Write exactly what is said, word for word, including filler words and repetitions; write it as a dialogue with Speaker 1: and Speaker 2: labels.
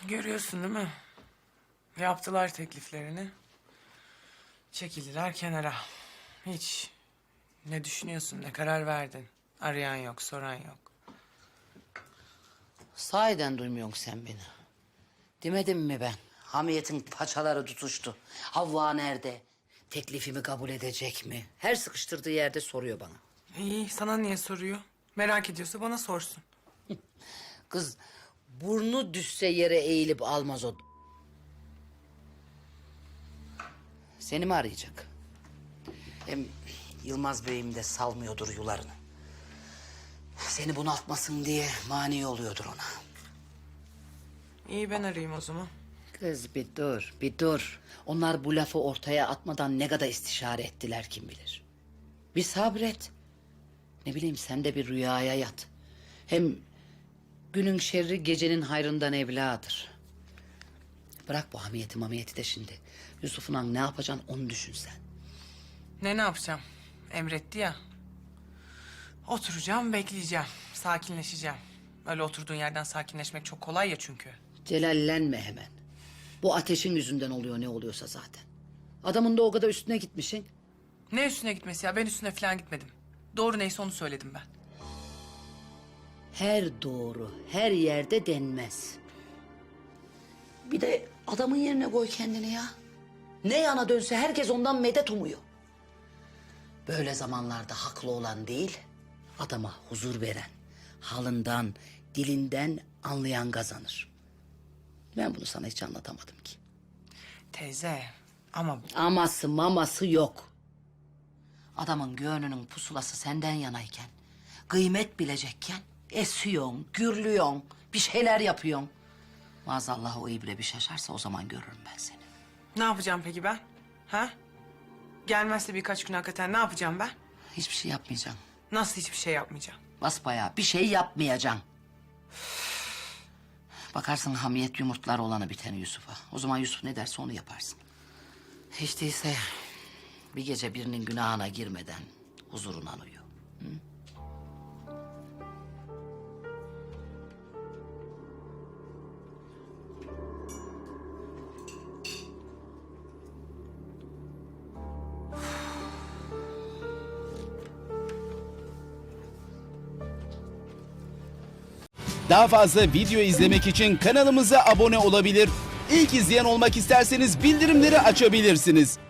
Speaker 1: Görüyorsun değil mi? Yaptılar tekliflerini. Çekildiler kenara. Hiç. Ne düşünüyorsun, ne karar verdin? Arayan yok, soran yok.
Speaker 2: Sahiden duymuyorsun sen beni. Demedim mi ben? Hamiyetin paçaları tutuştu. Havva nerede? Teklifimi kabul edecek mi? Her sıkıştırdığı yerde soruyor bana.
Speaker 1: İyi, sana niye soruyor? Merak ediyorsa bana sorsun.
Speaker 2: Kız burnu düşse yere eğilip almaz o. Seni mi arayacak? Hem Yılmaz Bey'im de salmıyordur yularını. Seni bunaltmasın diye mani oluyordur ona.
Speaker 1: İyi, ben arayayım o zaman.
Speaker 2: Kız bir dur, bir dur. Onlar bu lafı ortaya atmadan ne kadar istişare ettiler kim bilir. Bir sabret. Ne bileyim sen de bir rüyaya yat. Hem günün şerri gecenin hayrından evladır. Bırak bu hamiyeti mamiyeti de şimdi. Yusuf'un an ne yapacaksın onu düşün sen.
Speaker 1: Ne ne yapacağım? Emretti ya. Oturacağım, bekleyeceğim. Sakinleşeceğim. Öyle oturduğun yerden sakinleşmek çok kolay ya çünkü.
Speaker 2: Celallenme hemen. Bu ateşin yüzünden oluyor ne oluyorsa zaten. Adamın da o kadar üstüne gitmişsin.
Speaker 1: Ne üstüne gitmesi ya? Ben üstüne falan gitmedim. Doğru neyse onu söyledim ben.
Speaker 2: Her doğru, her yerde denmez. Bir de adamın yerine koy kendini ya. Ne yana dönse herkes ondan medet umuyor. Böyle zamanlarda haklı olan değil, adama huzur veren, halından, dilinden anlayan kazanır. Ben bunu sana hiç anlatamadım ki.
Speaker 1: Teyze ama
Speaker 2: Aması maması yok. Adamın gönlünün pusulası senden yanayken, kıymet bilecekken esiyorsun, gürlüyorsun, bir şeyler yapıyorsun. Maazallah o ibre bir şaşarsa o zaman görürüm ben seni.
Speaker 1: ne yapacağım peki ben? Ha? Gelmezse birkaç gün hakikaten ne yapacağım ben?
Speaker 2: Hiçbir şey yapmayacaksın.
Speaker 1: Nasıl hiçbir şey yapmayacağım?
Speaker 2: Basbayağı bir şey yapmayacaksın. Bakarsın hamiyet yumurtlar olanı biteni Yusuf'a. O zaman Yusuf ne derse onu yaparsın. Hiç değilse bir gece birinin günahına girmeden huzuruna uyu. Hı?
Speaker 3: Daha fazla video izlemek için kanalımıza abone olabilir. İlk izleyen olmak isterseniz bildirimleri açabilirsiniz.